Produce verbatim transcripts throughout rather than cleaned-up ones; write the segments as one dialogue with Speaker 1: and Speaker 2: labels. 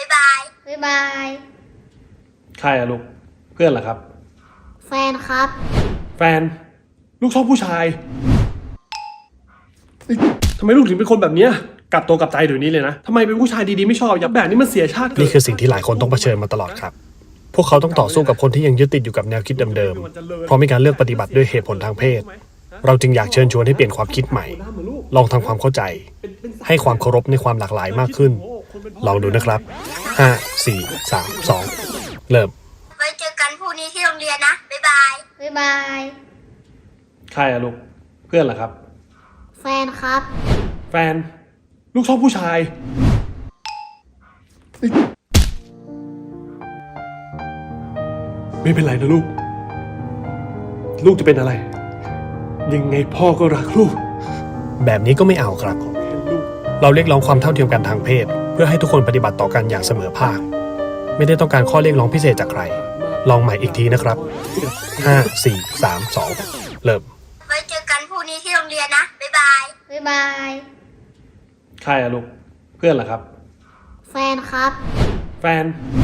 Speaker 1: ายบายบ๊ายบาย
Speaker 2: ใครอะลูกเพื่อนเหรอครับ
Speaker 1: แฟนครับ
Speaker 2: แฟนลูกชอบผู้ชายเอ้ยทำไมลูกถึงเป็นคนแบบเนี้ยกลับตัวกลับใจเดี๋ยวนี้เลยนะทำไมเป็นผู้ชายดีๆไม่ชอบอย่าแบบนี้มันเสียชาติเกิด
Speaker 3: นี่คือสิ่งที่หลายคนต้องเผชิญมาตลอดครับ พวกเขาต้องต่อสู้กับคนที่ยังยึดติดอยู่กับแนวคิดเดิมๆ เพราะมีการเลือกปฏิบัติด้วยเหตุผลทางเพศ เราจึงอยากเชิญชวนให้เปลี่ยนความคิดใหม่ ลองทำความเข้าใจ ให้ความเคารพในความหลากหลายมากขึ้น ลองดูนะครับ ห้า สี่ สาม สอง เริ่ม
Speaker 1: ไว้เจอกันพรุ่งนี้ที่โรงเรียนนะบ๊ายบายบ๊ายบาย
Speaker 2: ใครอะลูกเพื่อนเหรอครับ
Speaker 1: แฟนครับ
Speaker 2: แฟนลูกชอบผู้ชายเอ้ยไม่เป็นไรนะลูก ลูกจะเป็นอะไร ยังไงพ่อก็รักลูก
Speaker 3: แบบนี้ก็ไม่เอาครับ เราเรียกร้องความเท่าเทียมกันทางเพศ เพื่อให้ทุกคนปฏิบัติต่อกันอย่างเสมอภาค ไม่ได้ต้องการข้อเรียกร้องพิเศษจากใคร ลองใหม่อีกทีนะครับ ห้า สี่ สาม สอง เริ่ม
Speaker 1: ไว้เจอกันพรุ่งนี้ที่โรงเรียนนะบ๊ายบายบ๊ายบาย
Speaker 2: ใครอะลูกเพื่อนเหรอครับ
Speaker 1: แฟนครับ
Speaker 2: แฟน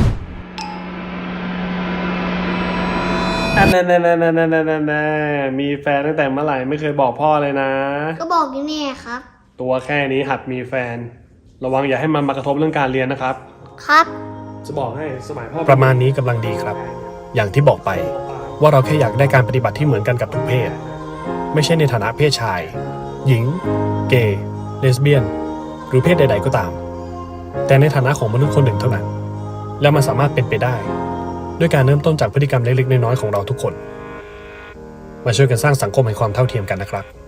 Speaker 2: อันนั้นๆๆๆๆมีแฟนตั้งแต่เมื่อไหร่ไม่เคยบอกพ่อเลยนะ
Speaker 1: ก็บอกอยู่เนี่ยครับ
Speaker 2: ตัวแค่นี้หัดมีแฟน ระวังอย่าให้มันมากระทบเรื่องการเรียนนะครับ
Speaker 1: ครับ
Speaker 2: จะบอกให้สมัยพ่อ
Speaker 3: ประมาณนี้กำลังดีครับ อย่างที่บอกไปว่าเราแค่อยากได้การปฏิบัติที่เหมือนกันกับทุกเพศ ไม่ใช่ในฐานะเพศชาย หญิง เกย์ เลสเบี้ยน หรือเพศใดๆก็ตาม แต่ในฐานะของมนุษย์คนหนึ่งเท่านั้น และมันสามารถเป็นไปได้ ด้วยการเริ่มต้นจากพฤติกรรมเล็กๆน้อยๆของเราทุกคน มาช่วยกันสร้างสังคมแห่งความเท่าเทียมกันนะครับ